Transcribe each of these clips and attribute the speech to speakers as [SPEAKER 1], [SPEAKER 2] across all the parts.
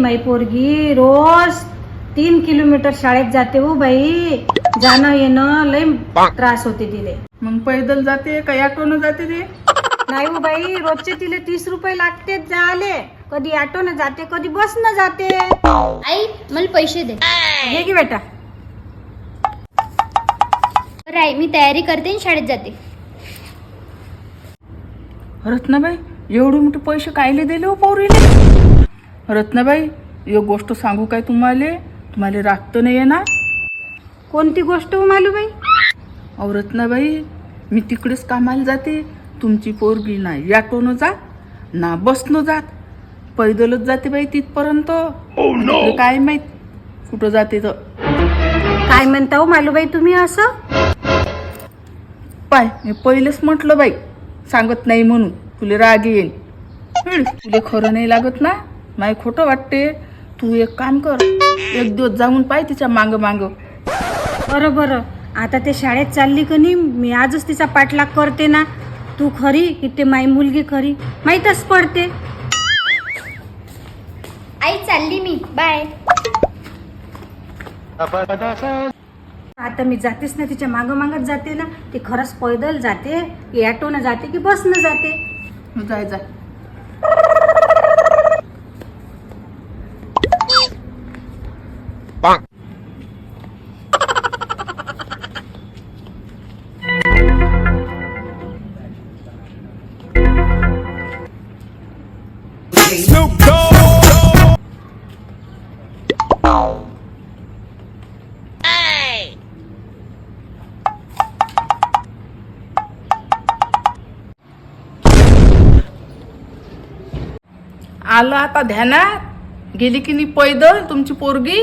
[SPEAKER 1] माई पोरगी रोज 3 किलोमीटर शाळेत जाते हो बाई. जाणं येणं लय त्रास होते तिले.
[SPEAKER 2] मग पैदल जाते का ऑटोनं जाते ते?
[SPEAKER 1] नाही हो बाई, रोजचे तिले 30 रुपये लागते जाले. कधी ऑटोनं जाते, कधी बसनं जाते.
[SPEAKER 3] आई मला पैसे दे.
[SPEAKER 1] हे की बेटा.
[SPEAKER 3] बरं आई, मी तयारी करते आणि शाळेत जाते.
[SPEAKER 2] रत्नाबाई, एवढे मोठे पैसे कायले दिले हो पोरीले? रत्नाबाई, एक गोष्ट सांगू काय तुम्हाला रागत नाही येणार?
[SPEAKER 1] कोणती गोष्ट हो मालूबाई?
[SPEAKER 2] अहो रत्नाबाई, मी तिकडेच कामाला जाते. तुमची पोरगी ना ऑटोनं जात ना बसनं जात, पैदलच जाते बाई तिथपर्यंत. तिकडे काय माहित कुठं जाते तर.
[SPEAKER 1] काय म्हणता हो मालूबाई तुम्ही असं?
[SPEAKER 2] पाय, मी पहिलेच म्हटलं बाई, सांगत नाही म्हणून तुला राग येईल. तुला खरं नाही लागत ना, माय खोटं वाटते. तू एक काम कर, एक दिवस जाऊन पाय तिच्या मांग मांग.
[SPEAKER 1] बरं बरं, आता ते शाळेत चालली का नाही, मी आजच तिचा पाठलाग करते ना. तू खरी की ते माई मुलगी खरी माहीतच पडते.
[SPEAKER 3] आई चालली मी, बाय.
[SPEAKER 1] आता मी जातेच ना, तिच्या मागं मागत जाते ना. ती खरंच पैदल जाते की ऑटोनं जाते की बसनं जाते.
[SPEAKER 2] जाय जाय. आलं आता ध्यानात? गेली की नाही पैदल तुमची पोरगी?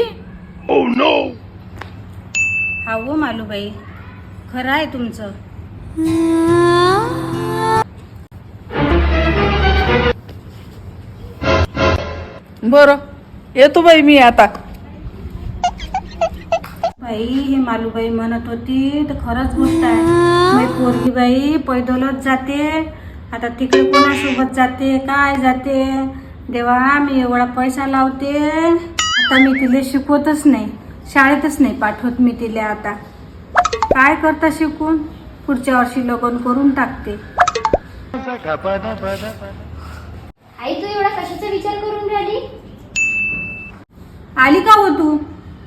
[SPEAKER 1] हा हो मालूबाई, खरं आहे तुमचं.
[SPEAKER 2] बरं, येतो बाई मी आता.
[SPEAKER 1] बाई, हे मालूबाई म्हणत होती तर खरंच गोष्ट आहे. माझी पोरगी बाई पैदलच जाते. आता तिकडे कोणासोबत जाते, काय जाते देवा. मी एवढा पैसा लावते, आता मी तिला शिकवतच नाही, शाळेतच नाही पाठवत मी तिला. आता काय करता शिकून, पुढच्या वर्षी लग्न करून टाकते.
[SPEAKER 3] आई तू एवढा कशाचा विचार करून राहिली?
[SPEAKER 1] आली का हो तू?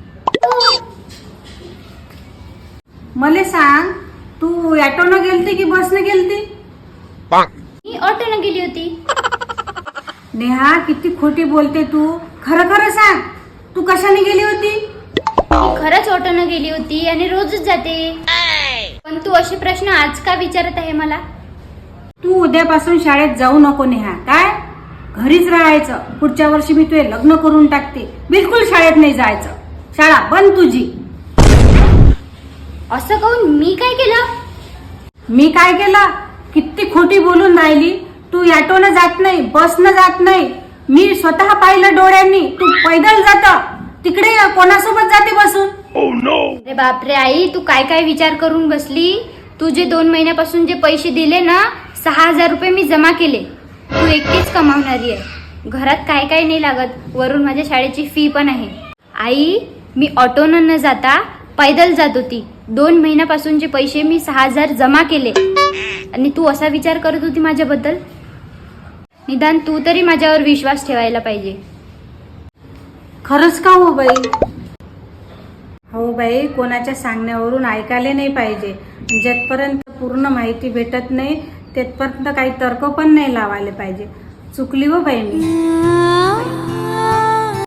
[SPEAKER 1] मला सांग, तू ऑटोनं गेलती की बसनं गेलती?
[SPEAKER 3] मी ऑटोनं गेली होती.
[SPEAKER 1] नेहा, किती खोटी बोलते तू. खरं खरं सांग, तू कशाने गेली होती?
[SPEAKER 3] मी खरंच ऑटोनं गेली होती आणि रोजच जाते. पण तू असे प्रश्न आज का विचारत आहे मला?
[SPEAKER 1] तू उद्यापासून शाळेत जाऊ नको नेहा. काय, घरीच राहायचं. पुढच्या वर्षी मी तुझे लग्न करून टाकते. बिलकुल शाळेत नाही जायचं. शाळा बंद तुझी.
[SPEAKER 3] असं कहून मी काय केलं?
[SPEAKER 1] मी काय केलं? किती खोटी बोलून राहिली. तू ऑटोनं जात नाही, बसनं जात नाही. मी स्वतः पाहिलं डोळ्यांनी. तू पैदल जात, तिकडे कोणासोबत जाते बसून?
[SPEAKER 3] अरे बापरे आई, तू काय काय विचार करून बसली. तू जे 2 महिन्यापासून जे पैसे दिले ना, 6,000 रुपये मी जमा केले. तू एकटीच कमावणारी आहे. घरात काय काय नाही लागत, वरून माझ्या शाळेची फी पण आहे. आई, मी ऑटोनं न जाता पैदल जात होती. 2 महिन्यापासूनचे पैसे मी 6,000 जमा केले आणि तू असा विचार करत होती माझ्याबद्दल. निदान तू तरी माझ्यावर विश्वास ठेवायला पाहिजे.
[SPEAKER 1] खरंच का हो बाई? हो बाई, कोणाच्या सांगण्यावरून ऐकायला नाही पाहिजे. जेथपर्यंत पूर्ण माहिती भेटत नाही तेथपर्यंत काही तर्क पण नाही लावायला पाहिजे. चुकली हो बाई मी.